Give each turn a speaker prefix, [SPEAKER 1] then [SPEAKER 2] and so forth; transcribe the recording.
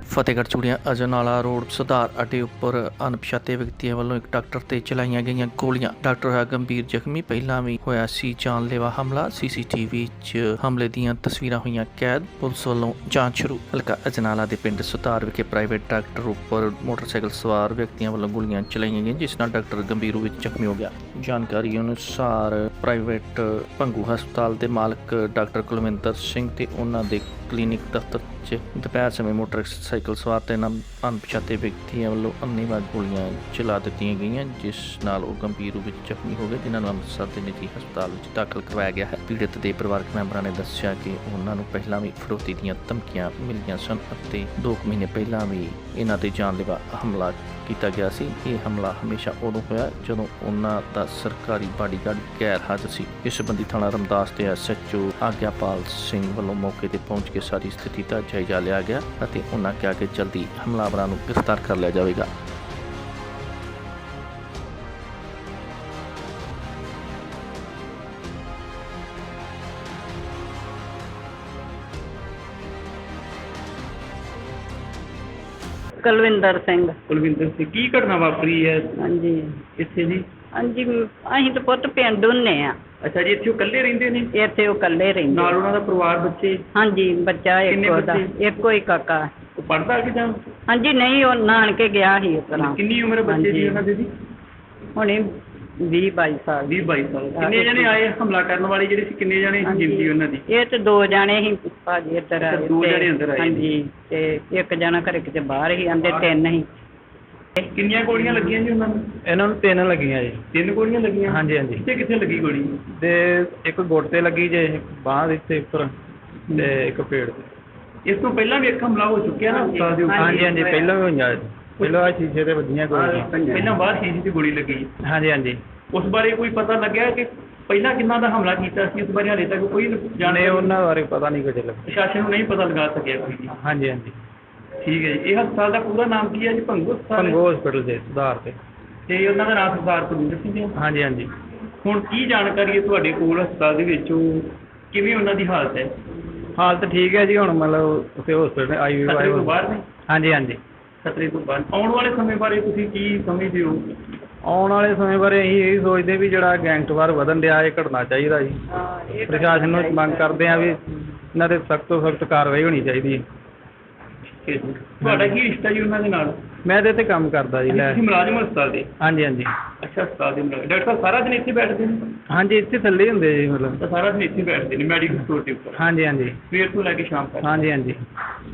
[SPEAKER 1] ਫਤਿਹਗੜ੍ਹ ਚੂੜੀਆਂ ਅਜਨਾਲਾ ਰੋਡ ਸੁਧਾਰ ਅੱਡੇ ਉੱਪਰ ਅਣਪਛਾਤੇ ਵਿਅਕਤੀਆਂ ਵੱਲੋਂ ਇੱਕ ਡਾਕਟਰ ਤੇ ਚਲਾਈਆਂ ਗਈਆਂ ਗੋਲੀਆਂ। ਡਾਕਟਰ ਹੋਇਆ ਗੰਭੀਰ ਜ਼ਖਮੀ। ਪਹਿਲਾਂ ਵੀ ਹੋਇਆ ਸੀ ਜਾਨਲੇਵਾ ਹਮਲਾ। ਸੀਸੀਟੀਵੀ 'ਚ ਹਮਲੇ ਦੀਆਂ ਤਸਵੀਰਾਂ ਹੋਈਆਂ ਕੈਦ। ਪੁਲਿਸ ਵੱਲੋਂ ਜਾਂਚ ਸ਼ੁਰੂ। ਹਲਕਾ ਅਜਨਾਲਾ ਦੇ ਪਿੰਡ ਸੁਧਾਰ ਵਿਖੇ ਪ੍ਰਾਈਵੇਟ ਡਾਕਟਰ ਉੱਪਰ ਮੋਟਰਸਾਈਕਲ ਸਵਾਰ ਵਿਅਕਤੀਆਂ ਵੱਲੋਂ ਗੋਲੀਆਂ ਚਲਾਈਆਂ ਗਈਆਂ, ਜਿਸ ਨਾਲ ਡਾਕਟਰ ਗੰਭੀਰ ਰੂਪ ਵਿੱਚ ਜ਼ਖਮੀ ਹੋ ਗਿਆ। ਜਾਣਕਾਰੀ ਅਨੁਸਾਰ ਪ੍ਰਾਈਵੇਟ ਭੰਗੂ ਹਸਪਤਾਲ ਦੇ ਮਾਲਕ ਡਾਕਟਰ ਕੁਲਵਿੰਦਰ ਸਿੰਘ ਤੇ ਉਹਨਾਂ ਦੇ ਕਲੀਨਿਕ ਦਫ਼ਤਰ 'ਚ ਦੁਪਹਿਰ ਸਮੇਂ ਮੋਟਰਸਾਈਕਲ ਸਵਾਰ ਤੇ ਅਣਪਛਾਤੇ ਵਿਅਕਤੀਆਂ ਵੱਲੋਂ ਅੰਨ੍ਹੇਵਾਹ ਗੋਲੀਆਂ ਚਲਾ ਦਿੱਤੀਆਂ ਗਈਆਂ, ਜਿਸ ਨਾਲ ਉਹ ਗੰਭੀਰ ਰੂਪ ਵਿੱਚ ਜ਼ਖਮੀ ਹੋ ਗਏ, ਜਿਨ੍ਹਾਂ ਨੂੰ ਅੰਮ੍ਰਿਤਸਰ ਦੇ ਨਿੱਜੀ ਹਸਪਤਾਲ ਵਿੱਚ ਦਾਖਲ ਕਰਵਾਇਆ ਗਿਆ ਹੈ। ਪੀੜਤ ਦੇ ਪਰਿਵਾਰਕ ਮੈਂਬਰਾਂ ਨੇ ਦੱਸਿਆ ਕਿ ਉਹਨਾਂ ਨੂੰ ਪਹਿਲਾਂ ਵੀ ਫਰੋਤੀ ਦੀਆਂ ਧਮਕੀਆਂ ਮਿਲੀਆਂ ਸਨ ਅਤੇ 2 ਮਹੀਨੇ ਪਹਿਲਾਂ ਵੀ ਇਹਨਾਂ ਤੇ ਜਾਨਲੇਵਾ ਹਮਲਾ ਕੀਤਾ ਗਿਆ ਸੀ। ਇਹ ਹਮਲਾ ਹਮੇਸ਼ਾ ਉਦੋਂ ਹੋਇਆ ਜਦੋਂ ਉਹਨਾਂ ਦਾ ਸਰਕਾਰੀ ਬਾਡੀਗਾਰਡ ਗੈਰ ਹਾਜ਼ਰ ਸੀ। ਇਸ ਸੰਬੰਧੀ ਥਾਣਾ ਰਮਦਾਸ ਦੇ SHO ਆਗਿਆਪਾਲ ਸਿੰਘ ਵੱਲੋਂ ਮੌਕੇ ਤੇ ਪਹੁੰਚ ਕੇ ਸਾਰੀ ਸਥਿਤੀ ਦਾ ਜਾਇਜ਼ਾ ਲਿਆ ਗਿਆ ਅਤੇ ਉਹਨਾਂ ਕਿਹਾ ਕਿ ਜਲਦੀ ਹਮਲਾਵਰਾਂ ਨੂੰ ਗ੍ਰਿਫਤਾਰ ਕਰ ਲਿਆ ਜਾਵੇਗਾ।
[SPEAKER 2] ਕੁਲਵਿੰਦਰ ਸਿੰਘ।
[SPEAKER 3] ਕੀ ਘਟਨਾ ਵਾਪਰੀ ਹੈ
[SPEAKER 2] ਹਾਂਜੀ
[SPEAKER 3] ਇੱਥੇ ਜੀ?
[SPEAKER 2] ਹਾਂਜੀ ਅਸੀਂ ਤਾਂ ਪੁੱਤ ਪਿੰਡ ਹੁੰਨੇ ਆ।
[SPEAKER 3] ਅੱਛਾ ਜੀ, ਇੱਥੇ ਉਹ ਇਕੱਲੇ ਰਹਿੰਦੇ ਨੇ?
[SPEAKER 2] ਇੱਥੇ ਉਹ ਇਕੱਲੇ ਰਹਿੰਦੇ।
[SPEAKER 3] ਨਾਲ ਉਹਨਾਂ ਦਾ ਪਰਿਵਾਰ, ਬੱਚੇ?
[SPEAKER 2] ਹਾਂਜੀ, ਬੱਚਾ
[SPEAKER 3] ਕਿੰਨੇ
[SPEAKER 2] ਇੱਕ ਉਹਦਾ,
[SPEAKER 3] ਬੱਚੇ?
[SPEAKER 2] ਇੱਕੋ ਹੀ ਕਾਕਾ।
[SPEAKER 3] ਉਹ ਪੜ੍ਹਦਾ ਕਿ ਜਾਂ?
[SPEAKER 2] ਹਾਂਜੀ ਨਹੀਂ, ਉਹ ਨਾਨਕੇ ਗਿਆ ਸੀ ਉਸ ਤਰ੍ਹਾਂ।
[SPEAKER 3] ਕਿੰਨੀ ਉਮਰ ਹੈ ਬੱਚੇ ਦੀ ਉਹਨਾਂ ਦੀ?
[SPEAKER 2] ਹੁਣੇ 20-22 ਸਾਲ।
[SPEAKER 3] 20-22 ਸਾਲ। ਕਿੰਨੇ ਜਣੇ ਆਏ ਹਮਲਾ ਕਰਨ ਵਾਲੇ ਜਿਹੜੇ ਸੀ? ਕਿੰਨੇ ਜਣੇ ਜਿੰਦੀ ਉਹਨਾਂ ਦੀ?
[SPEAKER 2] ਇਹ ਤੇ 2 ਜਾਣੇ ਸੀ ਭਾਜੀ ਇੱਧਰ ਆਏ।
[SPEAKER 3] 2 ਜਣੇ ਅੰਦਰ ਆਏ?
[SPEAKER 2] ਹਾਂਜੀ, ਤੇ ਇੱਕ ਜਣਾ ਘਰੇ ਕਿਤੇ ਬਾਹਰ ਹੀ, ਆਂਦੇ 3 ਸੀ।
[SPEAKER 3] ਕਿੰਨੀਆਂ ਗੋਲੀਆਂ ਲੱਗੀਆਂ ਜੀ ਉਹਨਾਂ ਨੂੰ?
[SPEAKER 4] ਇਹਨਾਂ ਨੂੰ 3 ਲੱਗੀਆਂ ਜੀ।
[SPEAKER 3] 3 ਗੋਲੀਆਂ ਲੱਗੀਆਂ?
[SPEAKER 4] ਹਾਂਜੀ ਹਾਂਜੀ।
[SPEAKER 3] ਕਿੱਥੇ ਲੱਗੀ ਗੋਲੀ?
[SPEAKER 4] ਤੇ ਇੱਕ ਗੁੱਟ ਤੇ ਲੱਗੀ ਜੇ, ਬਾਂਹ ਦੇ ਇੱਥੇ ਉੱਪਰ, ਤੇ ਇੱਕ ਪੇਟ ਤੇ।
[SPEAKER 3] ਇਸ ਤੋਂ ਪਹਿਲਾਂ ਵੀ ਇੱਕ ਹਮਲਾ ਹੋ ਚੁੱਕਿਆ ਨਾ ਹਸਪਤਾਲ ਦੇ ਉੱਪਰ?
[SPEAKER 4] ਹਾਂਜੀ ਹਾਂਜੀ, ਪਹਿਲਾਂ ਵੀ ਹੋਈਆਂ। ਪਹਿਲਾਂ ਆਹ ਸ਼ੀਸ਼ੇ ਤੇ ਵੱਜੀਆਂ ਗੋਲੀਆਂ।
[SPEAKER 3] ਪਹਿਲਾਂ ਬਾਹਰ ਸ਼ੀਸ਼ੇ 'ਚ ਗੋਲੀ ਲੱਗੀ।
[SPEAKER 4] ਹਾਂਜੀ ਹਾਂਜੀ।
[SPEAKER 3] ਉਸ ਬਾਰੇ ਕੋਈ ਪਤਾ ਲੱਗਿਆ ਕਿ ਪਹਿਲਾਂ ਕਿੰਨਾ ਦਾ ਹਮਲਾ ਕੀਤਾ ਸੀ? ਉਸ ਬਾਰੇ ਹਾਲੇ ਤੱਕ ਕੋਈ
[SPEAKER 4] ਜਾਣੇ ਉਹਨਾਂ ਬਾਰੇ ਪਤਾ ਨਹੀਂ ਕੁਝ ਲੱਗਾ।
[SPEAKER 3] ਪ੍ਰਸ਼ਾਸਨ ਨੂੰ ਨਹੀਂ ਪਤਾ ਲਗਾ ਸਕਿਆ ਕੋਈ ਵੀ?
[SPEAKER 4] ਹਾਂਜੀ ਹਾਂਜੀ।
[SPEAKER 3] ਠੀਕ ਹੈ ਜੀ। ਇਹ ਹਸਪਤਾਲ ਦਾ ਪੂਰਾ ਨਾਮ ਕੀ ਹੈ ਜੀ? ਭੰਗੂ ਹਸਪਤਾਲ?
[SPEAKER 4] ਭੰਗੂ ਹਸਪੀਟਲ ਦੇ ਸੁਧਾਰ ਤੇ।
[SPEAKER 3] ਤੇ ਉਹਨਾਂ ਦਾ ਨਾਮ ਸਰਦਾਰ ਕੁਲਵਿੰਦਰ ਸਿੰਘ ਹੈ?
[SPEAKER 4] ਹਾਂਜੀ ਹਾਂਜੀ।
[SPEAKER 3] ਹੁਣ ਕੀ ਜਾਣਕਾਰੀ ਹੈ ਤੁਹਾਡੇ ਕੋਲ ਹਸਪਤਾਲ ਦੇ ਵਿੱਚ? ਉਹ ਕਿਵੇਂ ਉਹਨਾਂ ਦੀ ਹਾਲਤ ਹੈ?
[SPEAKER 4] ਹਾਲਤ ਠੀਕ ਹੈ ਜੀ। ਹੁਣ ਮਤਲਬ ਉੱਥੇ ਹਸਪੀਟਲ
[SPEAKER 3] ਖਤਰੇ ਤੋਂ ਬਾਹਰ ਨੇ?
[SPEAKER 4] ਹਾਂਜੀ ਹਾਂਜੀ।
[SPEAKER 3] ਖਤਰੇ ਤੋਂ ਬਾਹਰ। ਆਉਣ ਵਾਲੇ ਸਮੇਂ ਬਾਰੇ ਤੁਸੀਂ ਕੀ ਸਮਝਦੇ ਹੋ?
[SPEAKER 4] ਆਉਣ ਵਾਲੇ ਸਮੇਂ ਬਾਰੇ ਅਸੀਂ ਇਹ ਸੋਚਦੇ ਵੀ ਜਿਹੜਾ ਗੈਂਗਸਟਰ ਵਧਣ ਡਿਆ, ਇਹ ਘਟਣਾ ਚਾਹੀਦਾ ਜੀ। ਪ੍ਰਸ਼ਾਸਨ ਨੂੰ ਮੰਗ ਕਰਦੇ ਆ ਵੀ ਇਹਨਾਂ ਤੇ ਸਖਤ ਤੋਂ ਸਖਤ ਕਾਰਵਾਈ ਹੋਣੀ ਚਾਹੀਦੀ ਹੈ।
[SPEAKER 3] ਤੁਹਾਡਾ ਕੀ ਰਿਸ਼ਤਾ ਜੀ ਉਹਨਾਂ ਦੇ ਨਾਲ?
[SPEAKER 4] ਮੈਂ ਤੇ ਇੱਥੇ ਕੰਮ ਕਰਦਾ ਜੀ।
[SPEAKER 3] ਤੁਸੀਂ ਮੁਲਾਜ਼ਮ ਹਸਪਤਾਲ ਦੇ?
[SPEAKER 4] ਹਾਂਜੀ ਹਾਂਜੀ।
[SPEAKER 3] ਅੱਛਾ, ਹਸਪਤਾਲ ਦੇ ਮੁਲਾਜ਼ਮ। ਡਾਕਟਰ ਸਾਹਿਬ ਸਾਰਾ ਦਿਨ ਇੱਥੇ ਬੈਠਦੇ ਨੇ?
[SPEAKER 4] ਹਾਂਜੀ, ਇੱਥੇ ਥੱਲੇ ਹੀ ਹੁੰਦੇ ਜੀ ਮਤਲਬ।
[SPEAKER 3] ਤਾਂ ਸਾਰਾ ਦਿਨ ਇੱਥੇ ਬੈਠਦੇ ਨੇ ਮੈਡੀਕਲ ਸਟੋਰ ਦੇ ਉੱਪਰ?
[SPEAKER 4] ਹਾਂਜੀ ਹਾਂਜੀ।
[SPEAKER 3] ਸਵੇਰ ਤੋਂ ਲੈ ਕੇ ਸ਼ਾਮ ਤੱਕ?
[SPEAKER 4] ਹਾਂਜੀ ਹਾਂਜੀ।